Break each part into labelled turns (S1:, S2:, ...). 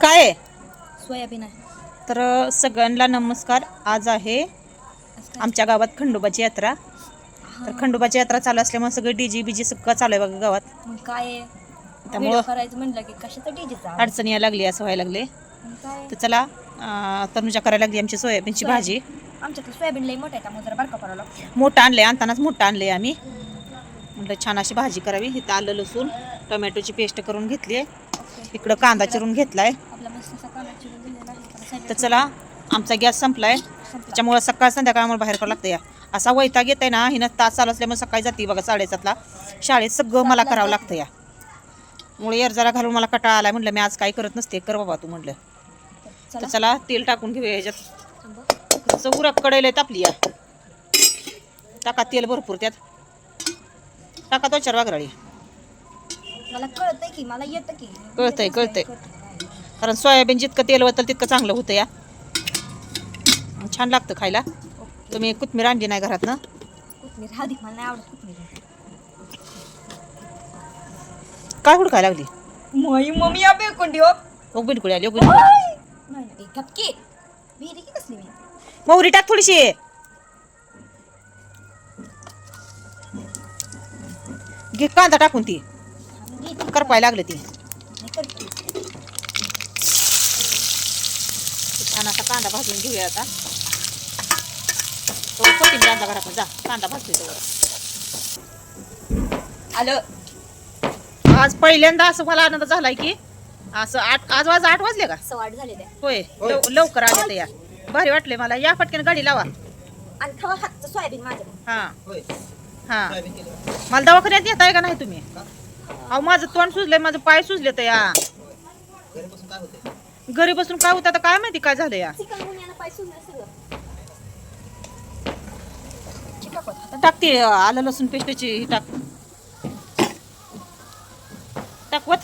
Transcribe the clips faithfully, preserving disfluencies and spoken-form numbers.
S1: काय आहे?
S2: सोयाबीन आहे.
S1: तर सगळ्यांना नमस्कार. आज आहे आमच्या गावात खंडोबाची यात्रा. तर खंडोबाची यात्रा चालू असल्यामुळे सगळं डीजे बीजे सगळं चालू आहे बघा गावात.
S2: मग काय
S1: त्यामुळं
S2: करायचं म्हणलं की कशाचं डीजेचा
S1: अडचणी यायला लागली, असं व्हायला लागले.
S2: काय
S1: तर चला अं, तनुजा करायला लागली आमची सोयाबीनची भाजी.
S2: आमच्यात सोयाबीन लई मोठा आहे त्यामुळे जरा बारका करावं लागतं.
S1: मोठं आणलंय, आणतानाच मोठं आणलंय आम्ही. म्हटलं छान अशी भाजी करावी. इथं आलं लसूण टोमॅटोची पेस्ट करून घेतली आहे. इकडं कांदा चिरून घेतलाय.
S2: आपला मस्त असा कांदा चिरून दिलेला आहे.
S1: तर चला आमचा गॅस संपलाय, त्याच्यामुळे सकाळ संध्याकाळ आम्हाला बाहेर करावं लागतं. या असा वैताग येत आहे ना, हिनं तास चालू असल्यामुळे सकाळी जाते बघा साडेसातला शाळेत. सगळं मला करावं लागतं या मुळे एर जरा घालून मला कटाळा आलाय. म्हटलं मी आज काही करत नसते, कर बाबा तू म्हटलं. तर चला तेल टाकून घेऊया ह्याच्यात. चौरा कडेल तापली या, टाका तेल भरपूर त्यात, टाका तो चार वागराळी.
S2: मला कळतंय की मला येतं की
S1: कळतंय कळतंय कारण सोयाबीन जितकं तेल वतल तितकं चांगलं होतं या, छान लागतं खायला. तुम्ही कोथमीर आणली नाही घरात ना?
S2: कोथमीर हळदी मला नाही आवडत कोथमीर.
S1: काय हुडकायला लागली?
S2: मोई मम्मी आपे कोंडी हो
S1: ओ बिलकुल आली, ओ
S2: नाही
S1: बिलकुल.
S2: नाही कपकी विहिरी की कसली मी
S1: मोहरी टाक थोडीशी, घे कांदा टाकून ती करपायला लागलं ती. छान असा कांदा भाजून घेऊया आता. तो कोथिंबीर आणला घरातून, जा कांदा भाजते तेवढं.
S2: आलं.
S1: आज पहिल्यांदा असं मला आनंद झालाय की असं आठ आज वाज आठ वाजले का?
S2: सवाट झालेले
S1: होय, लव- लवकर आले तर या भारी वाटले मला. या पटकन गाडी लावा
S2: आणि खावा हातचं सोयाबीन माझं.
S1: हा हा. मला दवाखान्यात येताय का नाही तुम्ही? अहो माझं तोंड सुजलंय, माझं पाय सुजले तर या. घरी बसून काय होतं आता काय माहिती काय झालं या.
S2: चिकनगुनियानं पाय सुजलं सगळं. चिकापत
S1: टाकते आलं लसूण पेस्टची ही टाक टाकवत.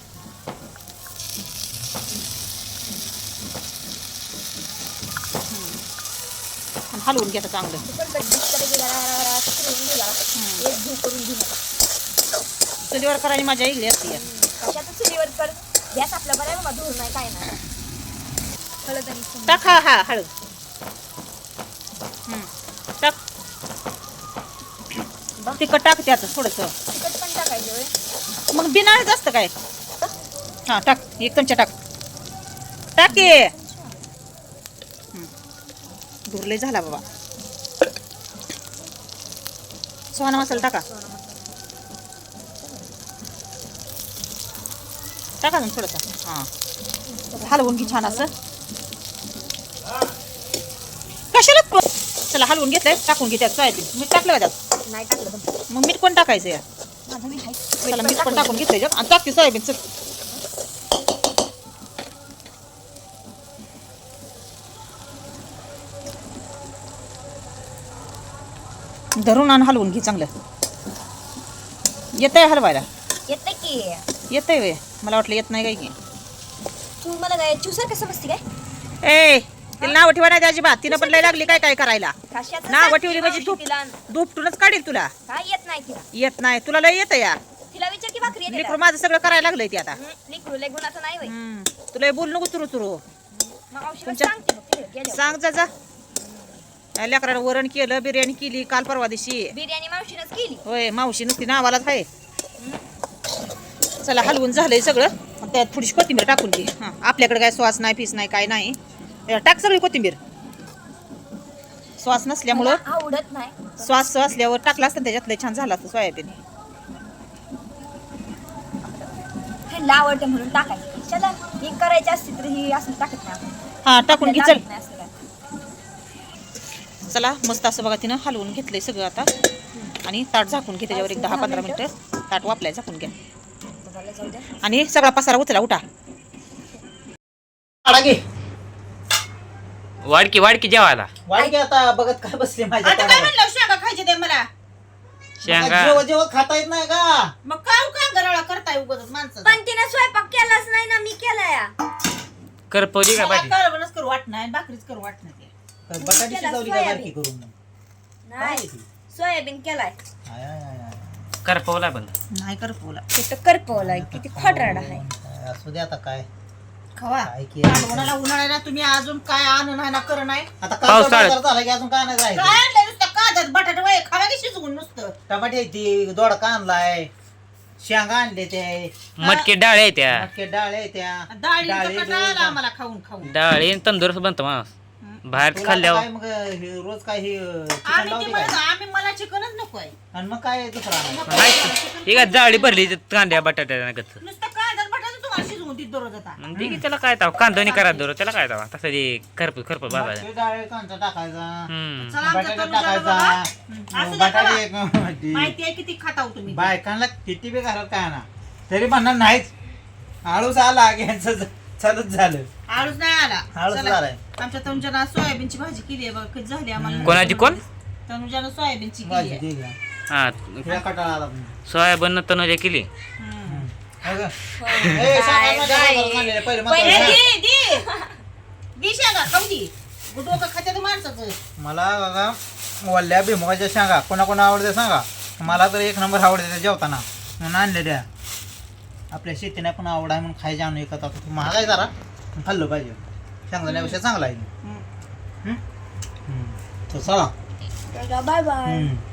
S1: हलवून घ्या चांगलं. चुलीवर करायची माझ्या इकडे असते.
S2: कशाचं चुलीवर कर, गॅस आपला बरं आहे, धुर नाही काय नाही. हळद आणि
S1: टाक, हा हा हळद टाक. तिखट टाक त्यात थोडस.
S2: तिखट पण टाकायचं होय.
S1: मग बिनाळच असतं काय? हा टाक, एक चमचा टाक टाक ये. धुरले झाला बाबा. सुहाना मसाला टाका टाका ना थोडंसं. हा हलवून घे छान असं. कशाला प- चला हलवून घेतलंय, टाकून घे त्यात सोयाबीन. मीठ टाकलं का त्यात?
S2: नाही टाकलं पण
S1: मग मीठ कोण टाकायचं या?
S2: माझं मी हाय.
S1: चला मीठ पण टाकून घेतलंय आणि टाकते सोयाबीन. चल धरून आणि हलवून घे चांगलं. येतंय हलवायला?
S2: येतं की.
S1: येतंय वे, मला वाटलं येत नाही काय की.
S2: तू मला काय चुसर कसं बसती काय?
S1: ए तिला नाव ठेवा नाही अजिबात. तिनं पण लय लागली काय काय करायला.
S2: कशाचं
S1: नाव
S2: सांगते
S1: ठेवली म्हणजे
S2: मावशी
S1: धूप
S2: तिला?
S1: धूपटूनच काढील तुला.
S2: काय येत नाही तिला.
S1: येत नाही तुला, लय येतं या.
S2: तिला विचार की भाकरी येते
S1: लेकरू माझं सगळं करायला लागलंय ते आता.
S2: लिकरू लय गुणाचं नाही होय.
S1: हम्म. तुला हे बोल नको तुरू तुरू.
S2: मग औषध
S1: तुमच्या-
S2: सांगते मग तिला गेल्यावर.
S1: सांग जा जा. या लेकराला वरण केलं, बिर्याणी केली काल परवा दिवशी.
S2: बिर्याणी मावशीनच केली.
S1: होय मावशी नुसती नावालाच आहे. चला हलवून झालंय सगळं. मग त्यात थोडीशी कोथिंबीर टाकून घे. हां आपल्याकडे काय श्वास नाही फीस नाही काय नाही. या, टाक सगळी कोथिंबीर. श्वास नसल्यामुळं
S2: मला आवडत नाही.
S1: श्वास असल्यावर टाकला असतं त्याच्यातलं छान झालं असतं सोयाबीन.
S2: ह्यांना आवडते म्हणून टाकायचं. चला ही करायची असती तर ही असं टाकत नाही आपण.
S1: हा टाकून घे
S2: आपल्याला
S1: चल.
S2: आवडत नाही असं काय.
S1: चला मस्त असं बघा तिनं हलवून घेतलंय सगळं आता. आणि ताट झाकून घे त्याच्यावर एक दहा पंधरा मिनिटं. ताट वापलाय झाकून घ्या.
S2: बघायला जाऊ द्या.
S1: आणि सगळा पसारा उचला उठा.
S3: वाडकी वाडकी जेवायला
S4: वाढ आता बघत काय बसले माझ्या
S1: आता काय म्हणलं शेंगा खायचे ते मला.
S3: शेंगा
S4: जेव्हा जेव्हा खाता येत नाही का?
S1: मग काय का गराळा करताय उगाच माणसं.
S2: पण तिने स्वयंपाक केलाच नाही ना, मी केलाय.
S3: करपवली का भाजी?
S1: करवणच करू वाट नाही, भाकरीच करू वाट नाही.
S4: बटाटी शिजवली का बारकी करून?
S2: नाही सोयाबीन केलाय.
S4: आय, आय, आय, आय.
S3: करपवला पण
S1: नाही कर पोला.
S2: ते तर करपवलाय. किती खोटराड आहे.
S4: काय असू दे आता काय.
S1: खवा
S4: काय की
S1: कालवणाला उन्हाळ्याला तुम्ही अजून काय आणून आहे ना कर नाही
S4: आता
S3: पावसाळ्यात.
S4: काल झाला की अजून काय नाही
S1: काय
S4: राहिलं
S1: आणलंय नुसतं काजत बटाटे वय खावा की शिजवून नुसतं
S4: टमाटे आहे ती दोडका आणलाय शेंगा आणले ते
S3: मटकी डाळ आहे त्या
S4: मटके डाळ आहे त्या
S1: डाळींचा
S4: डाळी
S1: कटाळा आला
S4: दोन-
S1: आम्हाला खाऊन खाऊन
S3: डाळ तंदुरुस्त बनतो माणूस बाहेर
S4: तुला
S3: खाल्ल्यावर
S4: काय मग हे रोज काय हे चिकन
S1: आम्ही ते
S4: लावते
S1: म्हणत
S4: काय
S1: आम्ही मला चिकनच नकोय
S4: आणि मग काय दुसरा आणायचं?
S3: माहिती ठीक आहे जाळी भरली ते कांद्या बटाट्या कच
S1: नुसतं काजत बटाटे तुम्हाला शिजवून देत दररोज आता
S3: मग ठीक आहे त्याला काय ताव कांदोनी करा दरो त्याला काय ताव तसं ते खरपूस खरपूस भाजायचं
S4: मटकी डाळ कांदा टाकायचा
S3: हम्म
S1: चला आमच्या
S4: बटाटा
S1: तनुजाला बघा.
S4: टाकायचा
S1: हं, असू द्या
S4: बटाटे
S1: खावा.
S4: एक-
S1: माहिती आहे किती खाताव तुम्ही
S4: बायकांना किती बी घरात काय ना तरी म्हणणार नाहीच आळूच आला की यांचं चालूच झालं
S1: आळूच नाही आला
S4: आळूच
S1: चला.
S4: झालाय.
S1: आमच्या तनुजानं सोयाबीनची भाजी केली आहे बघा कधी झाली आम्हाला
S3: कोणाची कोण?
S1: तनुजानं सोयाबीनची केली
S4: भाजी
S1: आहे
S4: दे घ्या.
S3: हा
S4: हिला कटाळा आला पण.
S3: सोयाबीन तनुजा केली
S1: हं.
S4: अगं. ए, सांगा ना, सांगा ना, पहिले मग
S1: पहिले
S4: सांगा.
S1: दे दे दे शेंगा खाऊ दे डोकं खात्यात माणसाचं
S4: मला बघा वल्ल्या भुईमुगाच्या शेंगा कोणा कोणा आवडते सांगा मला तर एक नंबर आवडते त्या जेवताना म्हणून आणले त्या आपल्या शेतीने पण आवड आहे म्हणून खायचे आणून एकत आता महाग आहे जरा पण खाल्लं पाहिजे शेंगदाण्यापेक्षा चांगला आहे
S1: हं.
S4: हम्म? हम्म. तर चला
S2: बाय बाय
S4: हम्म.